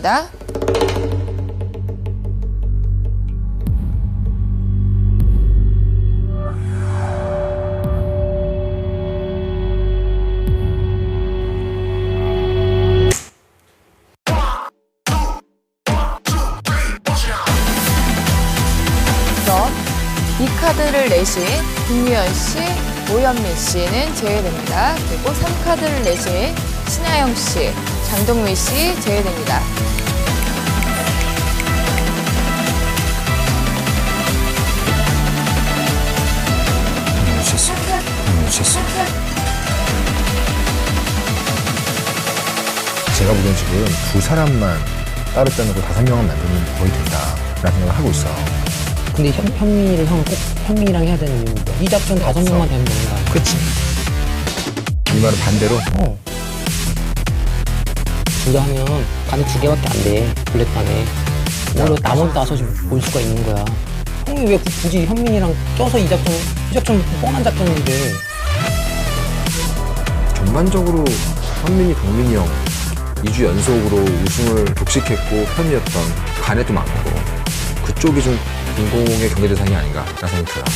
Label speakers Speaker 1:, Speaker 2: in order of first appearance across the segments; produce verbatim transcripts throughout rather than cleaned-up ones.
Speaker 1: 됩니다. 그럼 이 카드를 내신 김유연 씨, 오현민 씨는 제외됩니다. 그리고 삼 카드를 내신 신하영 씨, 장동민 씨 제외됩니다.
Speaker 2: 놓쳤어. 놓쳤어. 제가 보기엔 지금 두 사람만 따로 빼놓고 다섯 명은 만들면 거의 된다라는 생각을 하고 있어.
Speaker 3: 근데 현, 현민이를 형 꼭 현민이랑 해야 되는 이유는 뭐야? 이 작전 다섯 명만 되면 되는 거 아니야?
Speaker 2: 그치? 이 말은 반대로?
Speaker 3: 어. 둘다 하면 간이 두 개밖에 안 돼. 블랙판에. 오히려 나머지 다섯이 볼 수가 있는 거야. 형이 왜 굳이 현민이랑 껴서 이 작전, 이 작전 뻔한 작전인데.
Speaker 2: 전반적으로 현민이, 동민이 형 이 주 연속으로 우승을 독식했고 편이었던 간에도 많고 그쪽이 좀 공공의 경계 대상이 아닌가라는 생각이 들어요.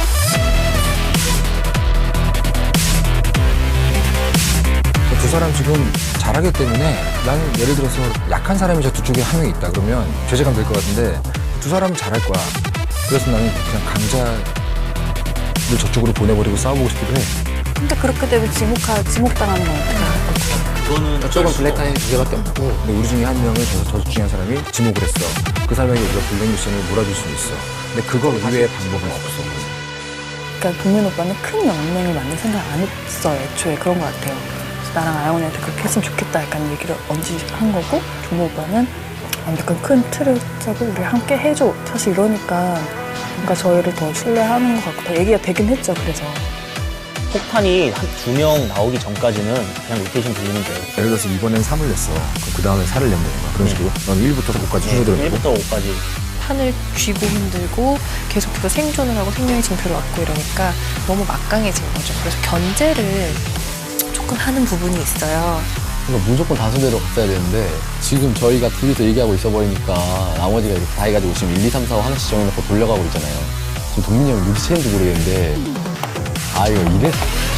Speaker 2: 두 사람 지금 잘하기 때문에 나는 예를 들어서 약한 사람이 저 두 쪽에 한 명 있다 그러면 죄책감 들 것 같은데 두 사람은 잘할 거야. 그래서 나는 그냥 강자를 저쪽으로 보내버리고 싸워보고 싶기도 해.
Speaker 4: 근데 그렇게 되면 지목하, 지목당하는 건 어떡해?
Speaker 5: 그거는
Speaker 2: 저쪽은 블랙타임이 두 개밖에 없고 근데 우리 중에 한 명을 저, 저 중에 한 사람이 지목을 했어. 그 사람에게 우리가 블랙미션을 몰아줄 수는 있어. 근데 그거 이외의 방법은 없어.
Speaker 4: 그러니까 동민 오빠는 큰 연맹을 만들 생각 안 했어요. 애초에 그런 것 같아요. 그래서 나랑 아영언니한테 그렇게 했으면 좋겠다 약간 얘기를 언제 한 거고 종모 오빠는 완벽한 큰 틀을 짜고 우리 함께 해줘. 사실 이러니까 뭔가 저희를 더 신뢰하는 것 같고 더 얘기가 되긴 했죠. 그래서
Speaker 5: 폭탄이 한 두 명 나오기 전까지는 그냥 로테이션 돌리면 돼요.
Speaker 2: 예를 들어서 이번엔 삼을 냈어. 그럼 그 다음에 사를 내면 되는 거야. 그런 식으로. 넌 일부터 오까지 순서대로 내고.
Speaker 5: 일부터 오까지.
Speaker 6: 판을 쥐고 힘들고 계속해서 생존을 하고 생명의 징표를 얻고 이러니까 너무 막강해진 거죠. 그래서 견제를 조금 하는 부분이 있어요.
Speaker 7: 그러니까 무조건 다수대로 갔어야 되는데 지금 저희가 둘이서 얘기하고 있어 버리니까 나머지가 이렇게 다 해가지고 지금 일, 이, 삼, 사, 오 하나씩 정해놓고 돌려가고 있잖아요. 지금 동민이 형이 눈치챘는지 모르겠는데 아 이거 이래서